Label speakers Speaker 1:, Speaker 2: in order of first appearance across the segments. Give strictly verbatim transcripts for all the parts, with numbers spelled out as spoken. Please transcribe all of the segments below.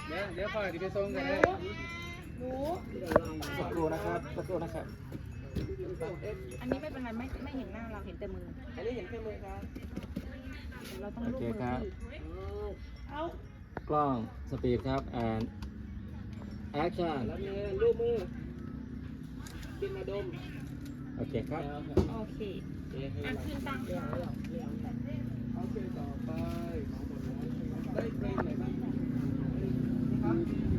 Speaker 1: เดี๋ยวเดี๋ยวพ่อจะไปส่งกันเลยหนูสักครู่นะครับสักครู่นะครับ
Speaker 2: อันนี้ไม่เป็นไรไม่ไม่เห็นหน้าเราเห็นแต่มืออันนี้เห็นแค่มือครับเราต้องลูบมือที่เอา
Speaker 1: กล้องสปีดครับ and action แล้วมือลูบมือกินมาดมโอเคครับ
Speaker 2: โอเคอ่ะคืนตังค์ค่ะ
Speaker 1: โอเคต่อไปได้เพลงไหนบ้างครับ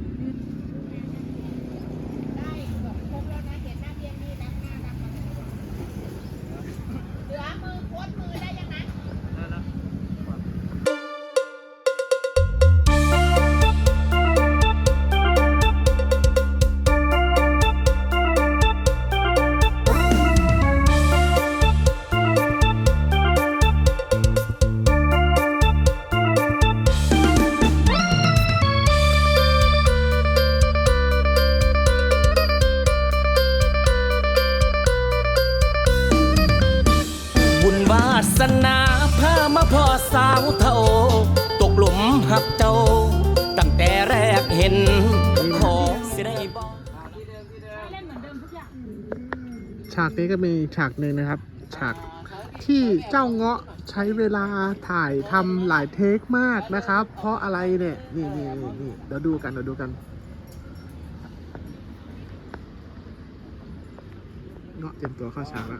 Speaker 2: ได้แบบครบแล้วนะเห็นหน้าเรียนนี่นะหน้าดำเหลือมือโค้ดมือได้ยังนะ
Speaker 3: สนาพามาพ่อสาวเท่าตกหลุมหักเจ้าตั้งแต่แรกเห็นขอสิได้บอก
Speaker 2: เล่นเหมือนเดิมทุกอย่าง
Speaker 4: ฉากนี้ก็มีฉากหนึ่งนะครับฉากที่เจ้าเงาะใช้เวลาถ่ายทำหลายเทคมากนะครับเพราะอะไรเนี่ยนี่นี่นี่นี่เดี๋ยวดูกันเดี๋ยวดูกันเงาะเตรียมตัวเข้าฉากแล้ว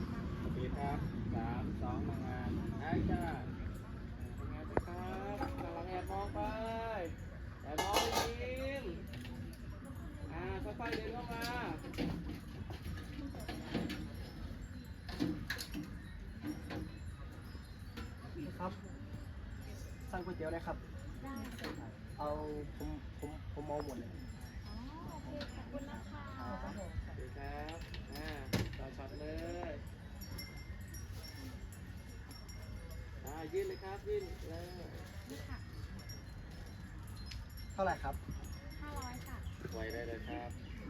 Speaker 3: ครับสั่งก๋วยเตี๋ยวได้ครับเอาผมผมผมมองหมดเลย
Speaker 2: อ๋อโอเคขอบคุณนะคะ
Speaker 1: ครับอ่าต่อช็อตเลยอ่ายื่นเลยครับยื่นเลย
Speaker 2: นี่ค่ะ
Speaker 3: เท่าไหร่ครับ
Speaker 2: ห้าร้อยค่ะ
Speaker 1: ไว้ได้เลยครับ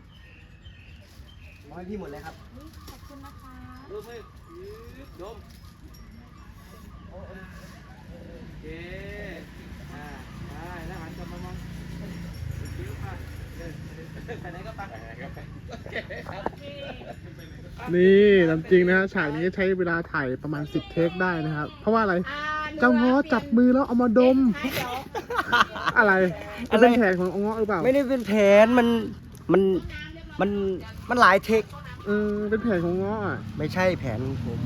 Speaker 3: ร้อยพี่หมดเลยครับ
Speaker 2: นี่ขอบคุณนะคะ
Speaker 1: รูปให้ยืดดมโอเคอ่าได้แล้วหันกลับมามองคิ้วค่ะไปไหนก็ไปไปไหนก็ไปโอเคครับ
Speaker 4: นี่ตามจริงนะฮะฉากนี้ใช้เวลาถ่ายประมาณสิบเทคได้นะครับเพราะว่าอะไรเจ้าเงาะจับมือแล้วเอามาดมอะไรมันเป็นแผนของเงาะหรือเปล่า
Speaker 3: ไม่ได้เป็นแผนมันมันมันมันหลายเทค
Speaker 4: เออเป็นแผนของเงาะอ่ะ
Speaker 3: ไม่ใช่แผนผม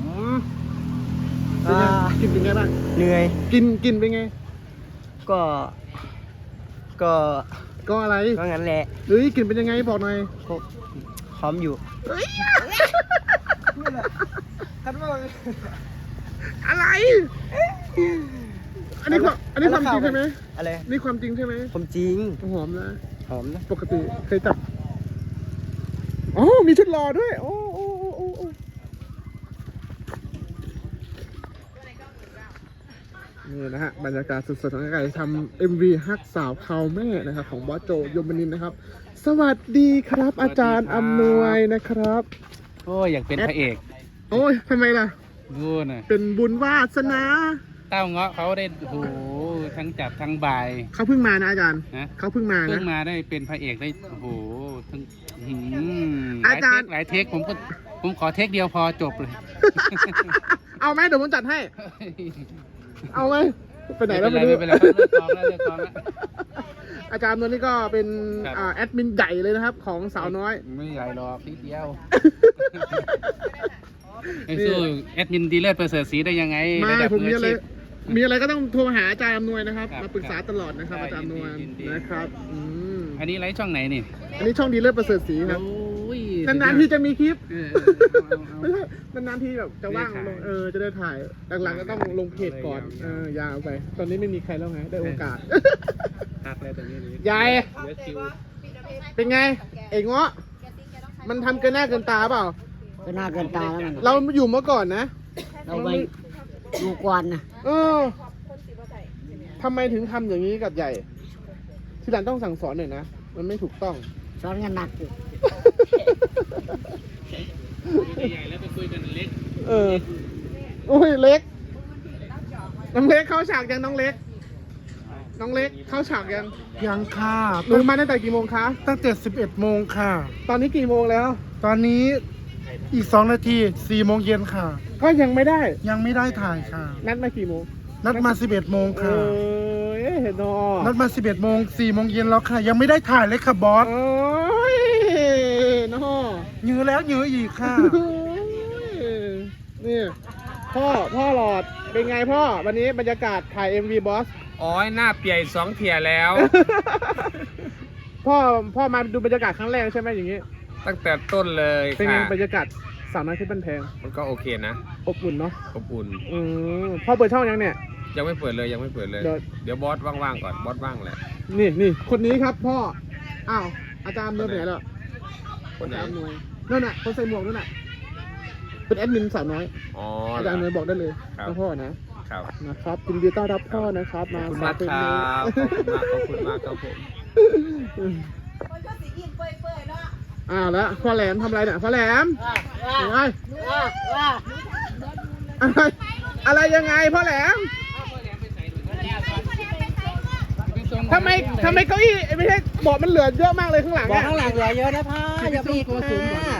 Speaker 4: กินเป็นไงบ้าง
Speaker 3: เหนื่อย
Speaker 4: กินกินเป็นไง
Speaker 3: ก็ก็
Speaker 4: ก็อะไร
Speaker 3: ก็งั้นแหละ
Speaker 4: เฮ้ยกินเป็นยังไงบอกหน่อย
Speaker 3: หอมอยู่
Speaker 4: อะไรอันนี้ความอันนี้ความจริงใช่ไหม
Speaker 3: อะไร
Speaker 4: นี่ความจริงใช่ไหม
Speaker 3: ความจริง
Speaker 4: หอมนะ
Speaker 3: หอมนะ
Speaker 4: ปกติเคยจับอ๋อมีชุดรอด้วยโอ้โอ้โอ้โอ้นี่นะฮะบรรยากาศสดๆของการทำเอ็มวีฮักสาวเขาแม่นะครับของบอสโจยมนินทร์นะครับสวัสดีครับอาจารย์อำนวยนะครับ
Speaker 1: โอ้ยอยากเป็นพระเอก
Speaker 4: โอ้ยทำไมล่ะ
Speaker 1: ดูน่ะ
Speaker 4: เป็นบุญวาสนา
Speaker 1: เต้าเงาะเขาได้โอ้โหทั้งจับทั้งบ่าย
Speaker 4: เขาเพิ่งมานะอาจารย์เขาเพิ่งมานะ
Speaker 1: เพิ่งมาได้เป็นพระเอกได้โอ้โหทั้งอาจารย์หลายเทคผมก็ผมขอเทคเดียวพอจบเลย
Speaker 4: เอาไหมเดี๋ยวผมจัดให้เอาไหมไปไหนแล้ว
Speaker 1: ไม่รู้ไปแล้วเลิกกองแล้วเลิกกองแล้ว
Speaker 4: อาจารย์ตัวนี้ก็เป็นแอดมินใหญ่เลยนะครับของสาวน้อย
Speaker 1: ไม่ใหญ่หรอกนิดเดียวไอ้สู้แอดมินดีเลิศประเสริฐศรีได้ยังไง
Speaker 4: ไม่ผมมีอะไรมีอะไรก็ต้องโทรมาหาอาจารย์อำนวยนะครับมาปรึกษาตลอดนะครับอาจารย์อำนวยนะครับ
Speaker 1: อันนี้ไลฟ์ช่องไหนนี่
Speaker 4: อันนี้ช่องดีเลิศประเสริฐศรีครับนานๆที่จะมีคลิปไม่ใช่นานๆที่แบบจะว่างลงเออจะได้ถ่ายหลังๆก็ต้องลงเพจก่อนเออยาวไปตอนนี้ไม่มีใครแล้วไงได้โอกาส
Speaker 1: ทักเลยตรงนี้
Speaker 4: ยายเป็นไงเอกเงาะมันทำเกินหน้าเกินตาเปล่า
Speaker 3: เกินหน้าเกินตา
Speaker 4: เราอยู่เมื่อก่อนนะ
Speaker 3: เราไปดูกวนนะ
Speaker 4: เออทำไมถึงทำอย่างนี้กับใหญ่ทีหลังต้องสั่งสอนหน่อยนะมันไม่ถูกต้อง
Speaker 3: สอนกันหนักอยู่
Speaker 1: ใหญ่แล้วไปคุยกันเล็ก
Speaker 4: เออโอ้ยเล็กน้องเล็กเข้าฉากยังน้องเล็กน้องเล็กเข้าฉากยัง
Speaker 5: ยังค่ะ
Speaker 4: หนูมาตั้งแต่กี่โมงคะ
Speaker 5: ตั้งแต่สิบเอ็ดโมงค่ะ
Speaker 4: ตอนนี้กี่โมงแล้ว
Speaker 5: ตอนนี้อีกสองนาทีสี่โมงเย็นค่ะ
Speaker 4: ก็ยังไม่ได้
Speaker 5: ยังไม่ได้ถ่ายค่ะ
Speaker 4: นัดมากี่โมง
Speaker 5: นัดมาสิบเอ็ดโมง
Speaker 4: เอ
Speaker 5: ค่ะ
Speaker 4: อเห็นนอ
Speaker 5: นัดมาสิบเอ็ดโมงสี่โมงเย็นแล้วค่ะ ยังไม่ได้ถ่ายเลยค่ะบอส
Speaker 4: โอ้ยนอ
Speaker 5: ยื้อแล้วยื้ออีกค่ะ
Speaker 4: โอ้ยนี่พ่อพ่อหลอดเป็นไงพ่อวันนี้บรรยากาศถ่าย เอ็ม วี บอส
Speaker 6: อ๋อหน้าเปียกสองเทียแล้ว
Speaker 4: พ่อพ่อมาดูบรรยากาศครั้งแรกใช่ไหมอย่างนี้
Speaker 6: ตั้งแต่ต้นเลย
Speaker 4: เป็นไง
Speaker 6: ค่ะ
Speaker 4: บรรยากาศสาวน้อยที่บ้านแพง
Speaker 6: มันก็โอเคนะ
Speaker 4: อบอุ่นเนาะ
Speaker 6: อบอุ่น
Speaker 4: อืมพ่อเปิดช่องยังเนี่ย
Speaker 6: ยังไม่เปิดเลยยังไม่เปิดเลย
Speaker 4: เดี๋ยว
Speaker 6: เดี๋ยวบอสว่างๆก่อนบอสว่างแหละ
Speaker 4: นี่นี่คนนี้ครับพ่ออ้าวอาจารย์เดินไปไหนแล้ว
Speaker 6: คนไหน
Speaker 4: อาจารย์หน่วยนั่นน่ะคนใส่หมวกนั่นน่ะเป็นแอดมินสาวน้อย
Speaker 6: อ๋อ
Speaker 4: อาจารย์หน่วยบอกได้เลย
Speaker 6: ครับ
Speaker 4: ว่าพ่อนะครับ นะครับยินดีต้อนรับพ่อนะครับ
Speaker 6: ข
Speaker 4: มา
Speaker 6: อบคุณ
Speaker 4: ฝ
Speaker 6: มาก
Speaker 4: เพลง
Speaker 6: ครั
Speaker 4: นี้
Speaker 6: บขอบคุณมากขอบคุณมากครับผม
Speaker 4: อ่าแล้วพ่อแหลมทำอะไรเนี่ยพ่อแหลมอะไรอะไรอะไรยังไงพ่อแหลมทำไมทำไมเก้าอี้ไม่ใช่เบาะมันเหลือเยอะมากเลยข้างหลัง
Speaker 7: บอก
Speaker 4: อะ
Speaker 7: ข้างหลังเหลือเยอะนะพ่ออย่าไปอีกค่ะ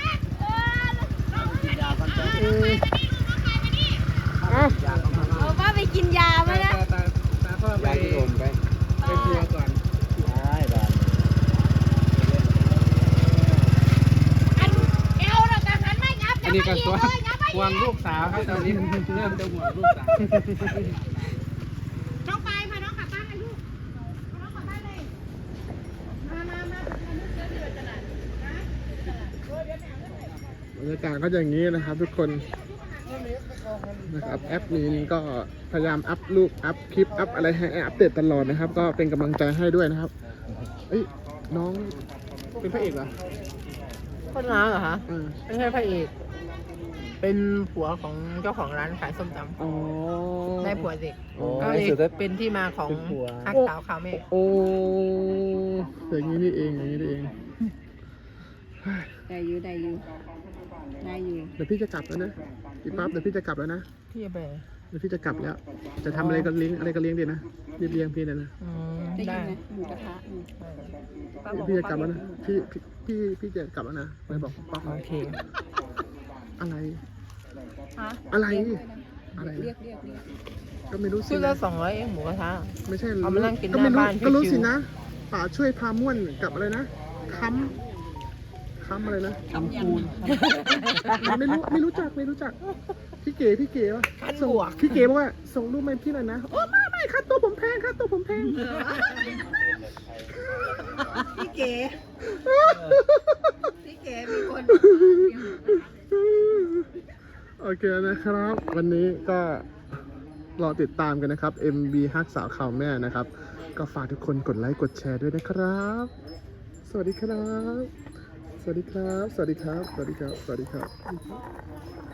Speaker 4: อืมเอ้า
Speaker 2: เอาว่าไปกินยาไหมนะ
Speaker 4: ตาตาพ่อไป
Speaker 7: ยาที่โดนไป
Speaker 4: ไปครัวก่อน
Speaker 7: ได้ได้
Speaker 2: อันเอวเราแต่หันไม่ยับ
Speaker 1: อันนี้ก็ตัวห่วงลูกสาวครับตอนนี้เริ่มจะห่วงลูกสาว
Speaker 2: น้องไปพาน้องกลับบ้านเลยลูกพาน้องกลับบ้านเลยมามามา
Speaker 4: บรรยากาศก็จะอย่างนี้นะครับ ทุกคนนะครับแอปนี้ก็พยายามอัพรูปอัพคลิปอัพอะไรให้อัปเดตตลอดนะครับ ก็เป็นกำลังใจให้ด้วยนะครับเอ้ยน้องเป็นพระเอกเหรอ
Speaker 7: คนร้านเหรอคะ
Speaker 4: อ่า
Speaker 7: ไม่ใช่พระเอก เป็นผัวของเจ้าของร้านขายส้มต
Speaker 4: อ๋อ
Speaker 7: ำได้ผัวเด็ก
Speaker 4: อ๋อ
Speaker 7: ก็เลยเป็นที่มาของฮักสาวขาวเมฆ
Speaker 4: โอ้อย่างนี้นี่เองอย่างนี้นี่เอง
Speaker 2: ได้อยู่ได้อยู่ได้อยู่
Speaker 4: เดี๋ยวพี่จะกลับแล้วนะพี่ปั๊บเดี๋ยวพี่จะกลับแล้วนะ
Speaker 7: พี่ไป
Speaker 4: เดี๋ยวพี่จะกลับแล้ว จะทำอะไรก็เลี้ยงอะไรก็เลี้ยงดีนะรีบเลี้ยงพี่เลยนะ
Speaker 7: อืม
Speaker 2: ได้
Speaker 7: ได้
Speaker 2: ยินไหมหมูกระทะอืม
Speaker 4: พี่จะกลับแล้วนะพี่พี่พี่พี่จะกลับแล้วนะเลยบอกป๊อก
Speaker 7: โอเค
Speaker 4: อะไร
Speaker 2: ฮะ
Speaker 4: อะไรอะไร
Speaker 2: เรียกเรียกเรียก
Speaker 4: ก็ไม่รู้สิ
Speaker 7: ชุดละ
Speaker 4: นะ
Speaker 7: สองร้อยเองหมูกระทะ
Speaker 4: ไม่ใช่
Speaker 7: เอามานั่งกิน
Speaker 4: ก็ไม่
Speaker 7: หน้า
Speaker 4: รู้
Speaker 7: บ้าน
Speaker 4: ก็รู้
Speaker 7: ชิวๆ
Speaker 4: สินะป่าช่วยพาม่วนกับอะไรนะค้ำค้ำอะไรนะ
Speaker 7: ทำคูณ
Speaker 4: ไม่รู้ไม่รู้จักไม่รู้จัก พี่เก๋พี่เก๋วะ
Speaker 7: ขั้น
Speaker 4: ส่ง
Speaker 7: บวก
Speaker 4: พี่เก๋บอกว่าส่งรูปมาให้พี่หน่อยนะโอ้ไม่ไม่ค่าตัวผมแพงค่าตัวผมแพง
Speaker 2: พี่เก๋พี่เก๋มีคน
Speaker 4: โอเคนะครับ วันนี้ก็รอติดตามกันนะครับ เอ็ม บี ฮักสาวข่าวแม่นะครับ ก็ฝากทุกคนกดไลค์กดแชร์ด้วยนะครับ สวัสดีครับ สวัสดีครับ สวัสดีครับ สวัสดีครับ สวัสดีครับ